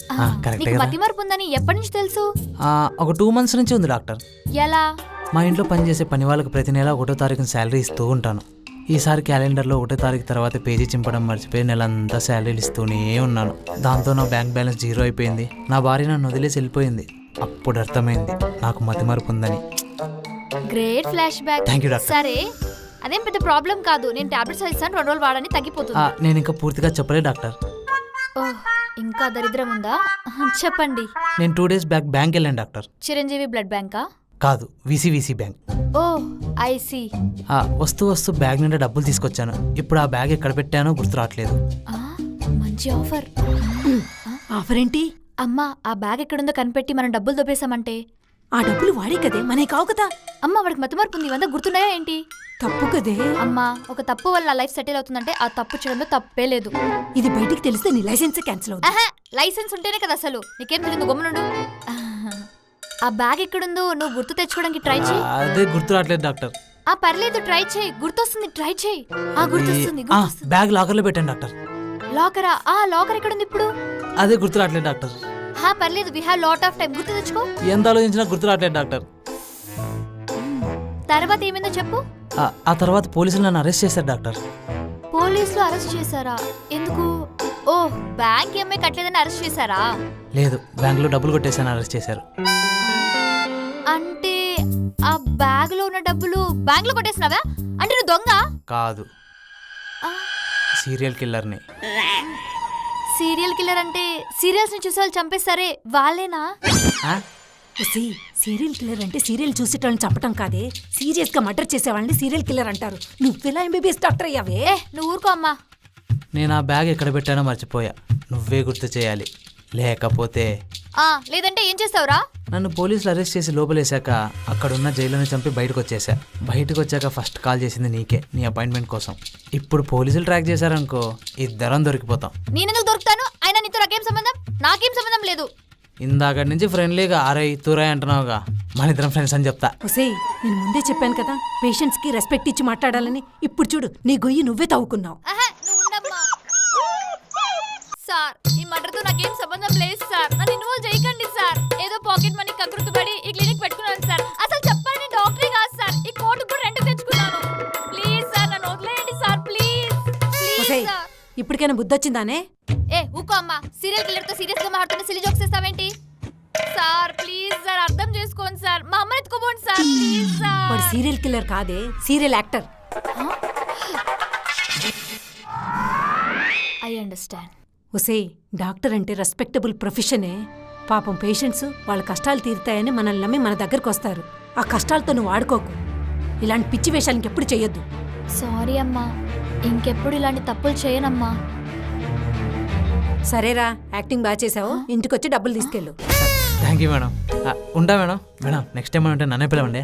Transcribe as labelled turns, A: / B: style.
A: Correct
B: నీకు
A: కదా
B: మతిమరుపు ఉందని ఎప్పటి నుంచి తెలుసు?
A: ఒక 2 months నుంచి ఉంది డాక్టర్.
B: ఎలా?
A: మా ఇంట్లో పనిచేసే పని వాళ్ళకి ప్రతి నెల 1వ తారీఖున శాలరీ ఇస్తూ ఉంటాను. ఈసారి క్యాలెండర్లో 1వ తారీఖు తర్వాత పేజీ చింపడం మర్చిపోయి నెలంతా శాలరీలు ఇస్తూనే ఉన్నాను. దాంతో నా బ్యాంక్ బ్యాలెన్స్ 0 అయిపోయింది. నా భార్య నన్ను వదిలేసి వెళ్ళిపోయింది. అప్పుడు అర్థమైంది నాకు మతిమరుపు ఉందని.
B: Great flashback.
A: Thank you doctor.
B: సరే, అదేం పెద్ద ప్రాబ్లం కాదు. నేను టాబ్లెట్స్ ఇస్తాను, 2 రోజులు వాడని తగ్గిపోతుంది.
A: నేను ఇంకా పూర్తిగా చెప్పలేదు డాక్టర్.
B: ఓహ్, ఇంకా దరిద్రం ఉందా? చెప్పండి.
A: నేను 2 days బ్యాక్ బ్యాంక్ వెళ్ళాను డాక్టర్.
B: చిరంజీవి బ్లడ్ బ్యాంకా?
A: కాదు, విసివిసి బ్యాంక్.
B: Oh I see.
A: వస్తూ బ్యాగ్ నిండా డబ్బులు తీసుకొచ్చాను. ఇప్పుడు ఆ బ్యాగ్ ఎక్కడ పెట్టానో గుర్తు రావట్లేదు.
B: మంచి ఆఫర్.
C: ఆఫర్ ఏంటి?
B: అమ్మా, ఆ బ్యాగ్ ఎక్కడుందో కనిపెట్టి మనం డబ్బులు దొబ్బేశామంటే
C: ఆ డబ్బులు వాడే కదే, మనే కావు కదా.
B: అమ్మా, వాడికి మతిమరుపు ఉంది. ఇవంతా గుర్తున్నాయా ఏంటి?
C: తప్పు కదే.
B: అమ్మా, ఒక తప్పు వల్ల నా లైఫ్ సెటిల్ అవుతుందంటే ఆ తప్పు చేయడంలో తప్పే లేదు.
C: ఇది బయటికి తెలిస్తే నీ లైసెన్స్ క్యాన్సిల్ అవుతుంది.
B: లైసెన్స్ ఉంటేనే కదా అసలు. నీకేం తెలియదు, గమ్మునుండు. ఆ బ్యాగ్ ఎక్కడుందో నువ్వు గుర్తు తెచ్చుకోవడానికి ట్రై చేయి.
A: అదే గుర్తు రావట్లేదు డాక్టర్.
B: పర్లేదు, ట్రై చేయి. గుర్తొస్తుంది, ట్రై చేయి. గుర్తొస్తుంది.
A: బ్యాగ్ లాకర్ లో పెట్టాను డాక్టర్.
B: లాకరా? లాకర్ ఎక్కడుంది ఇప్పుడు?
A: అదే గుర్తు రావట్లేదు డాక్టర్.
B: పర్లేదు, we have lot of time. గుర్తు తెచ్చుకో.
A: ఎంత ఆలోచించినా గుర్తు రావట్లేదు డాక్టర్.
B: తర్వాత ఏమైందో చెప్పు.
A: ఆ తర్వాత పోలీసులు నన్ను అరెస్ట్ చేశారు డాక్టర్.
B: పోలీసులు అరెస్ట్ చేశారా? ఎందుకు? ఓ, బ్యాంక్ ఏమై కట్టలేదని అరెస్ట్ చేశారా?
A: లేదు, బ్యాంక్ లో డబ్బులు కొట్టేసాను, అరెస్ట్ చేశారు.
B: అంటే ఆ బ్యాగ్ లో ఉన్న డబ్బులు బ్యాంక్ లో కొట్టేసినావా? అంటే నువ్వు దొంగ
A: కాదు, సీరియల్ కిల్లర్ని.
B: సీరియల్ కిల్లర్ అంటే సీరియల్స్ ని చూసే వాళ్ళు చంపేస్తారే వాళ్ళేనా?
C: సీరియల్ కిల్లర్ అంటే సీరియల్ చూసేటోళ్ళని చంపటం కాదే, సీరియస్ గా మర్డర్ చేసేవాళ్ళని సీరియల్ కిల్లర్ అంటారు. నువ్వెలా ఎంబీబీఎస్ డాక్టర్ అయ్యావే?
B: నువ్వు ఊరుకో అమ్మా.
A: నేను ఆ బ్యాగ్ ఎక్కడ పెట్టానో మర్చిపోయా. నువ్వే గుర్తు చేయాలి, లేకపోతే.
B: లేదంటే ఏం చేస్తావురా?
A: నన్ను పోలీసులు అరెస్ట్ చేసి లోపలేశాక అక్కడున్న జైలుని చంపి బయటకు వచ్చేసా. బయటకు వచ్చాక ఫస్ట్ కాల్ చేసింది నీకే, నీ అపాయింట్మెంట్ కోసం. ఇప్పుడు పోలీసులు ట్రాక్ చేశారనుకో, ఇద్దరం దొరికిపోతాం.
B: నేనెందుకు దొరుకుతాను? అయినా నీతో నాకేం సంబంధం? నాకేం సంబంధం లేదు.
A: ఇందాక నుంచి ఫ్రెండ్లీగా ఆరై తూరాయి అంటున్నావుగా, మన ఇద్దరం ఫ్రెండ్స్ అని చెప్తా.
C: ఒసేయ్, నేను ముందే చెప్పాను కదా పేషెంట్స్ కి రెస్పెక్ట్ ఇచ్చి మాట్లాడాలని. ఇప్పుడు చూడు, నీ గొయ్యి నువ్వే తవ్వుకున్నావు.
B: సార్, ఈ మర్డర్తో నాకేం సంబంధం లేదు సార్. నన్ను ఇన్వాల్వ్ చేయకండి సార్. ఏదో పాకెట్ మనీ కకృతుపడి ఈ క్లినిక్ పెట్టుకున్నాను సార్. అసలు చెప్పాలని డాక్టరే కాదు సార్. ఈ కోర్టు కూడా రెంట్ తెచ్చుకున్నాను. ప్లీజ్ సార్, నన్ను వదిలేయండి సార్. Please please sir.
C: ఇప్పటికైనా బుద్ధి వచ్చిందానే?
B: ఊకో అమ్మా. సీరియల్ కిల్లర్ తో సీరియస్ గా మాట్లాడుతున్న సిలి జోక్స్ చేస్తావేంటి? సార్ ప్లీజ్ సార్, అర్థం చేసుకోండి సార్. మా అమ్మని ఎత్తుకోబోండి సార్. Please sir.
C: వాడు సీరియల్ కిల్లర్ కాదే, సీరియల్ యాక్టర్.
B: I understand.
C: ఒసేయ్, డాక్టర్ అంటే రెస్పెక్టబుల్ ప్రొఫెషనే. పాపం పేషెంట్స్ వాళ్ళ కష్టాలు తీరుతాయని మనల్ని నమ్మి మన దగ్గరకు వస్తారు. ఆ కష్టాలతో నువ్వు ఆడుకోకు. ఇలాంటి పిచ్చి వేషాలు ఇంకెప్పుడు చేయొద్దు.
B: సారీ అమ్మా, ఇంకెప్పుడు ఇలాంటి తప్పులు చేయనమ్మా.
C: సరేరా, యాక్టింగ్ బాగా చేసావు. ఇంటికొచ్చి డబ్బులు తీసుకెళ్ళు.
A: Thank you madam. ఉంటా మేడం. మేడం, నెక్స్ట్ టైం అంటే నన్నే పిలవండి.